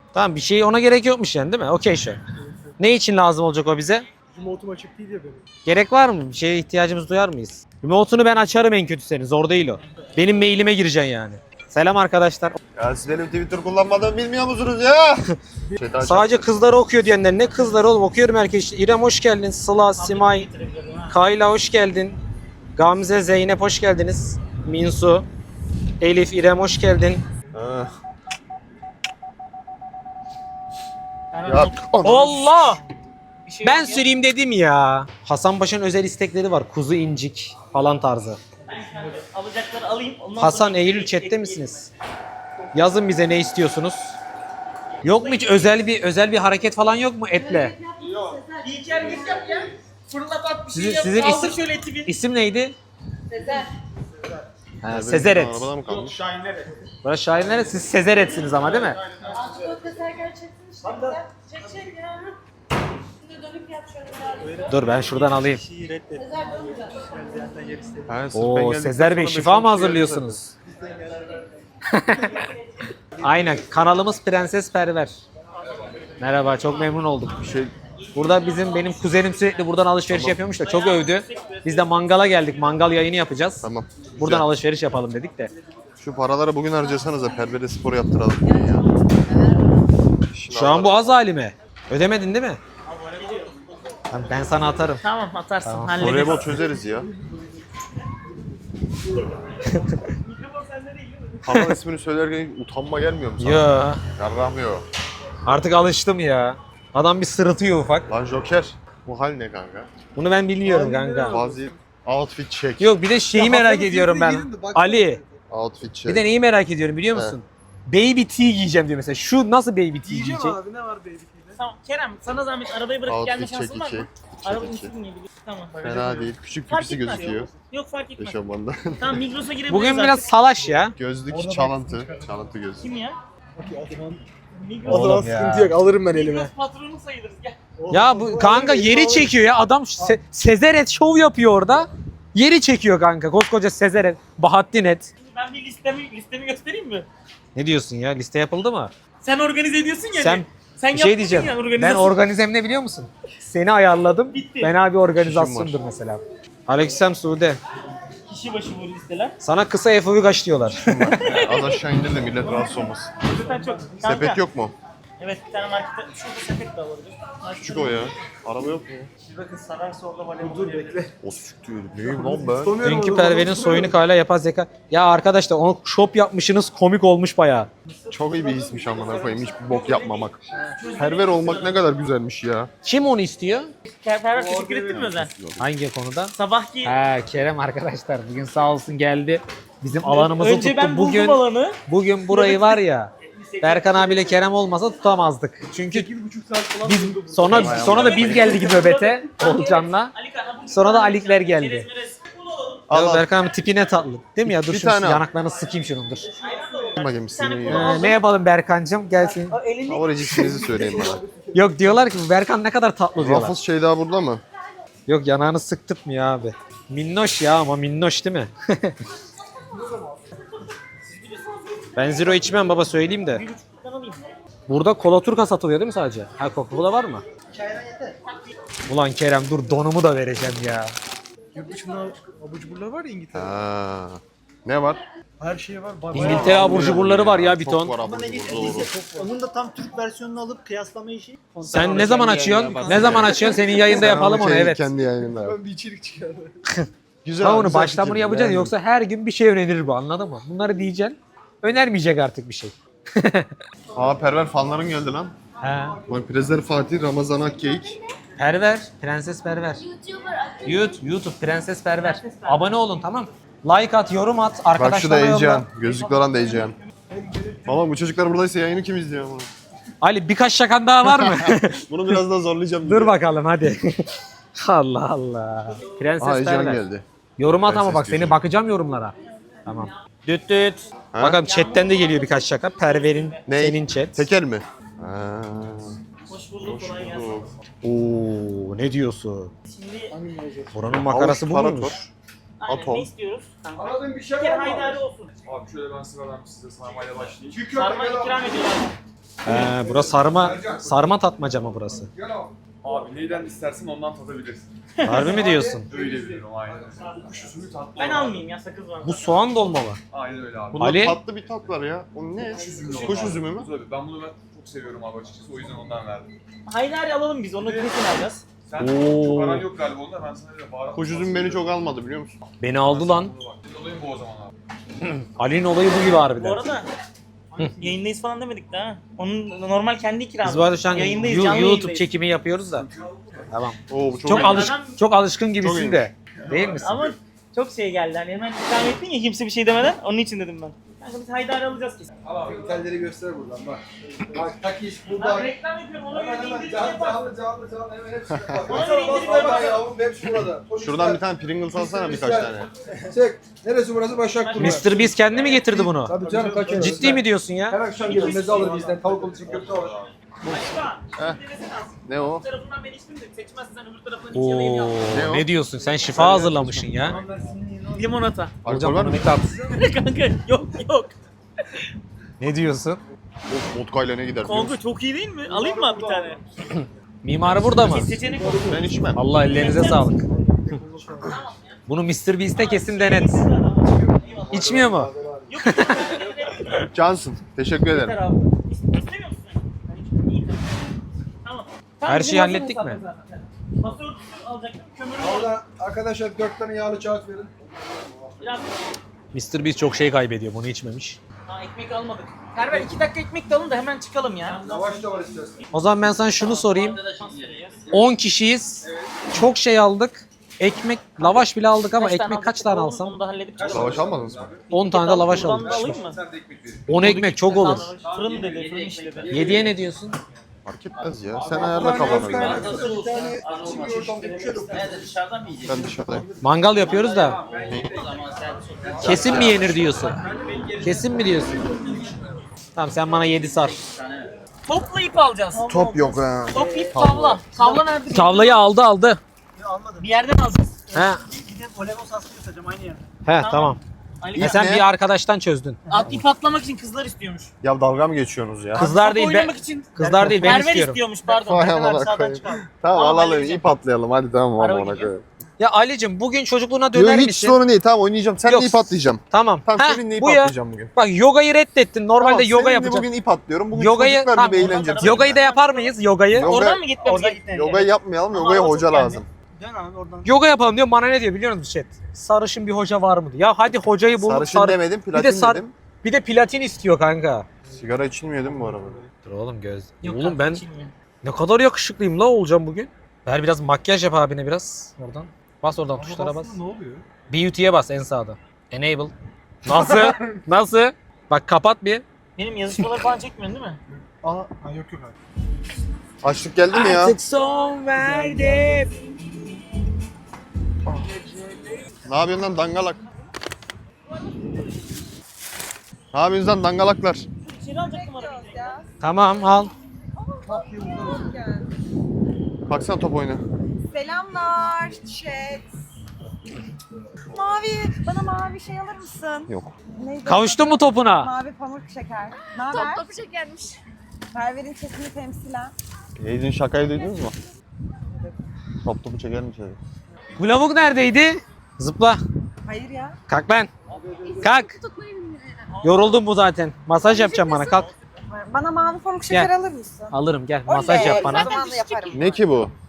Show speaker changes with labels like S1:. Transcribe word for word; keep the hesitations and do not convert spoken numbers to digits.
S1: Tamam, bir şey ona gerek yokmuş yani, değil mi? Okey şu. Ne için lazım olacak o bize?
S2: Remote'um açık değil ya benim.
S1: Gerek var mı? Bir şeye ihtiyacımız duyar mıyız? Remote'unu ben açarım en kötü senin. Zor değil o. Benim mailime gireceksin yani. Selam arkadaşlar.
S3: Ya siz benim Twitter kullanmadığımı bilmiyor musunuz ya? Şeytan
S1: Sadece kızları okuyor diyenler ne kızları oğlum, okuyorum herkes. İrem hoş geldin. Sıla, Simay, Kayla hoş geldin. Gamze, Zeynep hoş geldiniz. Minsu, Elif, İrem hoş geldin.
S3: Ha. Ya
S1: Allah! Ben süreyim dedim ya. Hasan Paşa'nın özel istekleri var. Kuzu incik falan tarzı.
S4: Alacakları alayım. Ondan
S1: Hasan,
S4: sonra
S1: Eylül chatte misiniz? Yazın bize ne istiyorsunuz? Yok mu hiç özel bir özel bir hareket falan yok mu etle?
S4: Bir iki hareket yap ya. Fırlat at bir
S1: Sizin-
S4: şey yap.
S1: sizin
S4: Kaldır
S1: isim-
S4: şöyle eti bir.
S1: İsim neydi?
S5: Sezer.
S1: Ha, Sezeret.
S3: Arabada mı kalmış?
S1: Burası şairlere, siz Sezeret'siniz ama değil mi?
S5: Aslında Sezer gerçekten işte. Güzel. Çek çek ya. Şimdi dönüp yap şöyle biraz.
S1: Dur ben şuradan alayım.
S2: Şeyi reddet.
S5: Sezer dönmeyecek.
S3: Ha, sırf ben
S1: Oo,
S3: geldikten
S1: Sezer Bey
S3: sonra
S1: şifa
S3: beş
S1: mı
S3: on kişi
S1: hazırlıyorsunuz? Aynen, kanalımız Prenses Perver. Merhaba, çok memnun olduk.
S3: Bir şey
S1: Burada bizim benim kuzenim sürekli buradan alışveriş yapıyormuş da çok övdü. Biz de mangala geldik. Mangal yayını yapacağız.
S3: tamam.
S1: Buradan
S3: Güzel.
S1: alışveriş yapalım dedik de.
S3: Şu paraları bugün harcasanız da Perver'e spor yaptıralım bugün ya.
S1: Şu an bu az halime. Ödemedin değil mi? Tamam, ben sana atarım.
S4: Tamam atarsın.
S1: Tamam.
S4: Hallederiz.
S3: Voleybol çözeriz ya. Kanal ismini söylerken utanma gelmiyor mu sana?
S1: Ya
S3: Yarramıyor.
S1: artık alıştım ya. Adam bir sırıtıyor ufak.
S3: Lan Joker. Bu hal ne kanka?
S1: Bunu ben bilmiyorum kanka.
S3: Bazı outfit check.
S1: Yok, bir de şeyi
S2: Ya
S1: merak
S2: Hasan'ın
S1: ediyorum ben.
S2: sesine girin de bak-
S1: Ali.
S3: Outfit check.
S1: Bir de neyi merak ediyorum biliyor musun? Baby tee giyeceğim diyor mesela. Şu nasıl baby tee
S2: Diyeceğim
S1: giyecek?
S2: abi ne var baby tea'de?
S4: Tamam Kerem sana zahmet arabayı bırakıp gelme
S3: Outfit
S4: şansın
S3: check
S4: var
S3: iki.
S4: mı?
S3: Check
S4: Arabanın
S3: iki.
S4: üstüne gidiyor. Tamam.
S3: Fena değil. Küçük
S4: Fark
S3: pipisi
S4: etmez.
S3: gözüküyor.
S4: Yok fark etmez.
S3: Eşofmanda.
S4: Tamam Migros'a girebiliriz
S1: Bugün
S4: artık.
S1: biraz salaş ya.
S3: Gözlük çalıntı. Çalıntı gözlük.
S4: Kim ya?
S2: O zaman,
S4: Migros,
S2: o
S1: Oğlum
S2: zaman
S1: ya.
S2: sıkıntı yok alırım ben elime.
S4: Migros patronu sayılırız gel.
S1: Ya bu kanka yeri çekiyor ya. Adam Se- Sezeret şov yapıyor orada. Yeri çekiyor kanka. Koskoca Sezeret. Bahattin et.
S4: Şimdi ben bir listemi listemi göstereyim mi?
S1: Ne diyorsun ya? Liste yapıldı mı?
S4: Sen organize ediyorsun ya.
S1: Sen
S4: sen
S1: bir şey
S4: yapmadın
S1: diyeceğim.
S4: ya
S1: Ben
S4: organizasyon.
S1: organizem ne biliyor musun? Seni ayarladım.
S4: Bitti.
S1: Fena bir organizasyondur mesela. Aleykümselam Sude.
S4: Kişi başı bu listeler.
S1: Sana kısa F O V kaç diyorlar.
S3: Az aşağı indir de millet rahatsız olmasın.
S4: Zaten çok. Kanka,
S3: Sepet yok mu?
S4: Evet bir tane markette. Şurada sepet de olabilir.
S3: Küçük o ya. Araba yok mu?
S4: Bir bakın sararsa orada voleybol.
S2: Dur bekle.
S3: O süktü. Neyim lan ben?
S2: Tutamıyorum
S1: Dünkü
S2: onu,
S1: Perver'in
S2: onu
S1: soyunu hala yapay zeka. Ya arkadaşlar onu shop yapmışsınız, komik olmuş bayağı.
S3: Çok iyi bir hismiş amına koyayım. Hiçbir bok yapmamak. Perver olmak ne kadar güzelmiş ya.
S1: Kim onu istiyor?
S4: Kerper teşekkür ettin mi Özen?
S1: Hangi konuda?
S4: Sabahki
S1: Ha Kerem arkadaşlar bugün sağ olsun geldi. Bizim alanımızı
S4: önce
S1: tuttu.
S4: ben buldum
S1: Bugün
S4: alanı.
S1: bugün burayı var ya. Berkan abiyle Kerem olmasa tutamazdık. Çünkü
S2: sekiz buçuk saat falan
S1: biz
S2: durdum.
S1: sonra sonra da biz geldik nöbete Olcan'la.
S4: Ali Kan,
S1: Sonra da Alikler geldi.
S4: Çerez merez. Bunu alalım.
S3: Al
S1: Ya
S3: al.
S1: Berkan abi tipi ne tatlı. Değil mi ya? Dur
S3: Bir
S1: şunu
S3: tane al.
S1: yanaklarını sıkayım şunun dur.
S3: Bakayım sizin ya.
S1: Ee, ne yapalım Berkancığım? Gelsin.
S4: Elini
S3: Favoriciksinizi söyleyin bana.
S1: Yok diyorlar ki bu Berkan ne kadar tatlı diyorlar.
S3: Ruffles şey daha burada mı?
S1: Yok yanağını sıktırtmıyor abi. Minnoş ya ama minnoş değil mi? Ben zero içmem baba söyleyeyim de.
S4: ben alayım.
S1: Burada kola turka satılıyor değil mi sadece? Ha Coca-Cola var mı? Ulan Kerem dur donumu da vereceğim ya.
S2: Yurt dışında abur cuburlar var ya İngiltere.
S3: Ha. Ne var?
S2: Her şey var. Ba-
S1: İngiltere
S2: bayağı-
S1: abur cuburları var ya bir
S3: Çok
S1: ton.
S3: var abur cubur, doğru.
S6: Onun da tam Türk versiyonunu alıp kıyaslama işi.
S1: Sen ne zaman açıyorsun? Ne zaman açıyorsun? Senin yayında yapalım onu
S3: Kendi-
S1: evet.
S3: Kendi yayınında yap.
S2: Ben bir içerik çıkardım.
S3: Güzel.
S1: Ha onu
S3: güzel
S1: baştan bunu
S3: fikir.
S1: yapacaksın
S3: Yani-
S1: yoksa her gün bir şey önerir bu anladın mı? Bunları diyeceksin. Önermeyecek artık bir şey.
S3: Aa Perver fanların geldi lan.
S1: Ha.
S3: Bak Prezler Fatih, Ramazan Akkeyik.
S1: Perver, Prenses Perver. YouTube, YouTube Prenses Perver. Abone olun tamam. Like at, yorum at,
S3: Bak şu da
S1: arkadaşlara yolla.
S3: Ecehan. Gözlüklü olan da Ecehan. Valla bu çocuklar buradaysa yayını kim izliyor ama?
S1: Ali birkaç şakan daha var mı?
S3: Bunu biraz daha zorlayacağım.
S1: Dur bakalım hadi. Allah Allah. Prenses
S3: Aa Ecehan
S1: Perver.
S3: geldi.
S1: Yorum at ama
S3: Prenses
S1: bak seni
S3: diyorsun.
S1: bakacağım yorumlara. Tamam. Düt düt.
S3: Ha?
S1: Bakalım chatten de geliyor birkaç şaka. Perver'in,
S3: Ne?
S1: senin chat.
S3: Tekel mi? Ha.
S4: Hoş bulduk kolay gelsin.
S1: Oo ne diyorsun?
S4: Şimdi
S1: Buranın makarası bu
S3: Havuç,
S1: muymuş?
S3: tarator.
S4: Aynen,
S3: Atom.
S4: ne istiyoruz? Kanka.
S2: Aradığın bir
S4: Bir
S2: şey
S4: kere
S2: var mı?
S4: haydari olsun.
S7: Abi şöyle ben sıradan size sarmayla başlayayım.
S2: Çiğ köfte
S4: Sarma
S2: gel
S4: ikram
S2: abi.
S4: ediyorlar.
S1: He, burası sarma sarma tatmaca mı burası?
S2: Gel abi.
S7: Abi neyden istersen ondan tadabilirsin.
S1: Harbi mi diyorsun?
S7: Öyle biliyorum aynen. Bu kuş üzümü tatlı
S4: Ben
S7: olan.
S4: almayayım ya, sakız var.
S1: Bu soğan dolma mı?
S7: Aynen öyle abi.
S3: Bunda
S1: Ali?
S3: tatlı bir tat var ya. O ne?
S7: Kuş üzümü.
S3: Kuş üzümü mü?
S7: Tabii ben bunu ben çok seviyorum abi açıkçası. O yüzden ondan verdim.
S4: Haydari alalım biz, onu kesin alacağız.
S7: Sen
S1: Oo.
S7: çok aran yok galiba onda. Ben sana öyle baharat.
S3: Kuş üzümü beni çok almadı biliyor musun?
S1: Beni aldı lan.
S7: Olayım bu o zaman abi.
S1: Ali'nin olayı bu gibi
S4: Bu
S1: harbiden.
S4: arada yayındayız falan demedik de ha. Onun normal kendi ikramı.
S1: Biz bu arada şu an
S4: Yayındayız,
S1: Yu-
S4: canlı
S1: YouTube
S4: yayındayız.
S1: çekimi yapıyoruz da. Tamam.
S3: Oo bu çok,
S1: Çok
S3: iyi.
S1: alış
S4: Adam-
S1: çok alışkın gibisin
S3: iyiymiş.
S1: de. Değil misin?
S4: Ama çok şey geldi, hani hemen ikram ettin ya kimse bir şey demeden, onun için dedim ben. Kanka biz haydari alacağız kesin.
S2: Al abi itelleri göster buradan bak. Bak takiş
S4: Ben
S2: burada.
S4: reklam yapıyorum, ona
S2: Hemen
S4: göre
S2: hemen
S4: indirim
S2: canlı
S4: yapar.
S2: canlı canlı canlı hemen hepsi bak.
S4: Ona
S2: Bak,
S4: göre
S2: bak,
S4: indirim
S2: bak,
S4: yapar.
S2: yavrum hepsi burada. Koş
S3: Şuradan
S2: ister.
S3: bir tane Pringles alsana birkaç tane.
S2: Çek. Neresi burası? Başakşehir.
S1: mister Beast kendi mi getirdi bunu?
S2: Tabii canım kaç
S1: Ciddi mi diyorsun ya?
S2: Her akşam gelir meze alır bizden. Tavuk olur, çiğ köfte alır.
S4: Başka.
S3: Heh. Ne o?
S4: Bu tarafından ben içtim de seçmezsen sen öbür tarafından iç yalayım
S1: Oo,
S4: yap.
S3: Ne o?
S1: ne diyorsun? Sen şifa hazırlamışsın ya.
S4: Limonata.
S3: Alkol
S1: Hocam
S3: var
S1: bunu
S3: mı?
S1: bir tat.
S4: Kanka yok yok.
S1: Ne diyorsun?
S3: Of vodka ile ne gider biliyor
S4: Kanka
S3: musun?
S4: çok iyi değil mi? Alayım mı bir tane?
S1: Mimarı burada mı?
S4: Seçenek olsun.
S3: Ben içmem.
S1: Allah ellerinize sağlık. Bunu mister Beast'e kesin denet. İçmiyor mu?
S4: Yok.
S3: Cansın. Teşekkür ederim.
S4: Yeter abi. İstemiyor musun sen? Ben içmiyorum. İyi, tamam. Tamam.
S1: Her
S4: bizim
S1: şeyi
S4: hazır
S1: hallettik
S4: hesaplar
S1: mi?
S4: zaten. Masa örtüsü alacaktım. Kömürü var.
S2: Orada arkadaşlar dört tane yağlı kağıt verin.
S4: Biraz.
S1: mister Beast çok şey kaybediyor. Bunu içmemiş.
S4: Ha, ekmek almadık. Server iki dakika ekmek de alın da hemen çıkalım ya.
S2: Lavaş da var istersen.
S1: O zaman ben sana şunu sorayım. on kişiyiz. Çok şey aldık. Ekmek, lavaş bile aldık ama
S4: Kaç tane
S1: ekmek kaç
S4: aldık?
S1: tane
S4: Onu-
S1: alsam?
S4: Onu da halledip çıkalım.
S3: Lavaş almadınız mı?
S1: on tane de lavaş
S4: Buradan
S1: aldık.
S4: da alayım mı?
S2: Sen de ekmek verin.
S1: on ekmek çok olur.
S4: Fırın dedi, fırın işledi.
S1: yediye ne diyorsun?
S3: Fark etmez ya. Sen ayarla kafanı.
S2: Bir tane çiğ ortamda bir şey yok.
S3: Ben dışarıdayım.
S1: Mangal yapıyoruz da. Kesin mi yenir diyorsun? Kesin mi diyorsun? Tamam sen bana yedi sar.
S4: Topla ip alacağız.
S3: Top yok ha.
S4: Top ip tavla. Tavla nerede?
S1: Tavlayı aldı aldı.
S6: Almadım.
S4: Bir yerden alacağız.
S1: He.
S6: Bir de voleybol sahasını göstereceğim aynı yerde.
S1: He tamam.
S4: Ali
S1: E sen
S3: ne?
S1: bir arkadaştan çözdün.
S4: At ip atlamak için kızlar istiyormuş.
S3: Ya dalga mı geçiyorsunuz ya?
S1: Kızlar
S4: Top
S1: değil
S4: oynamak
S1: ben.
S4: için
S1: Kızlar değil ben
S4: Perver
S1: istiyorum.
S4: istiyormuş pardon.
S3: Vay
S4: Perver
S3: amına
S4: sağdan
S3: koyayım.
S4: çıkalım.
S3: Tamam
S4: Tamam,
S3: alalım
S4: halledeceğim.
S3: ip atlayalım hadi tamam
S4: Araba
S3: amına
S4: gidiyor.
S3: koyayım.
S1: Ya Ali'cim bugün çocukluğuna
S3: Yok
S1: döner
S3: hiç
S1: misin?
S3: sorun değil tamam oynayacağım. Sen
S1: Yok.
S3: de ip atlayacağım.
S1: Tamam.
S3: Tamam
S1: Heh,
S3: seninle ip
S1: bu ya.
S3: atlayacağım bugün.
S1: Bak yogayı reddettin. Normalde
S3: Tamam,
S1: yoga
S3: seninle
S1: yapacağım.
S3: bugün ip atlıyorum. Bugün
S1: Yogayı
S3: çocuklar
S1: tamam,
S3: gibi eğleneceğim.
S1: Yogayı da yapar mıyız? Yogayı.
S3: Yoga-
S4: Oradan mı gitmemiz
S6: Oradan
S4: gerekiyor?
S3: Yogayı yapmayalım.
S4: Ama
S3: Yogaya
S4: hava
S3: hoca
S4: çok geldi.
S3: lazım.
S6: Dön abi oradan.
S1: Yoga yapalım diyor. Bana ne diyor biliyor musun chat? Sarışın bir hoca var mı diyor. Ya hadi hocayı bulup
S3: Sarışın
S1: sar-
S3: demedim
S1: Bir de
S3: platin
S1: sar-
S3: dedim.
S1: Bir de platin istiyor kanka.
S3: Sigara içilmiyor değil mi bu arada?
S1: Dur oğlum göz.
S4: Yok
S1: oğlum
S4: kanka,
S1: ben
S4: içilmiyor.
S1: ne kadar yakışıklıyım la olacağım bugün. Ver biraz makyaj yap abine biraz oradan. Bas oradan tuşlara bas.
S2: Ne oluyor?
S1: Beauty'ye bas en sağda. Enable. Nasıl? Nasıl? Bak kapat bir.
S4: Benim yazışmaları falan çekmiyorsun değil mi?
S2: Aa, ha, yok yok abi.
S3: Açlık geldi mi ya?
S1: Artık son verdim.
S3: Ne yapıyorsun lan dangalak? Ne yapıyorsun lan dangalaklar?
S4: İçeri alacaktım arabayı.
S1: Tamam al.
S3: Baksana top oyunu.
S5: Selamlar chat. Mavi, bana mavi şey alır mısın?
S3: Yok.
S5: Neydi?
S1: Kavuştun mu topuna?
S5: Mavi pamuk şeker. Ne haber? Top şekermiş. Perver'in çetini temsilen.
S3: Yediğin şakayı duydunuz mu? Top topu çeker mi içeri?
S1: Bu lavuk neredeydi? Zıpla.
S5: Hayır ya.
S1: Kalk lan. Kalk. Yoruldum bu zaten. Masaj yapacağım bana kalk.
S5: Bana mavi pamuk şeker
S1: Gel.
S5: alır mısın?
S1: Alırım gel. Masaj yap bana.
S5: O zaman da yaparım.
S3: Ne ki bu?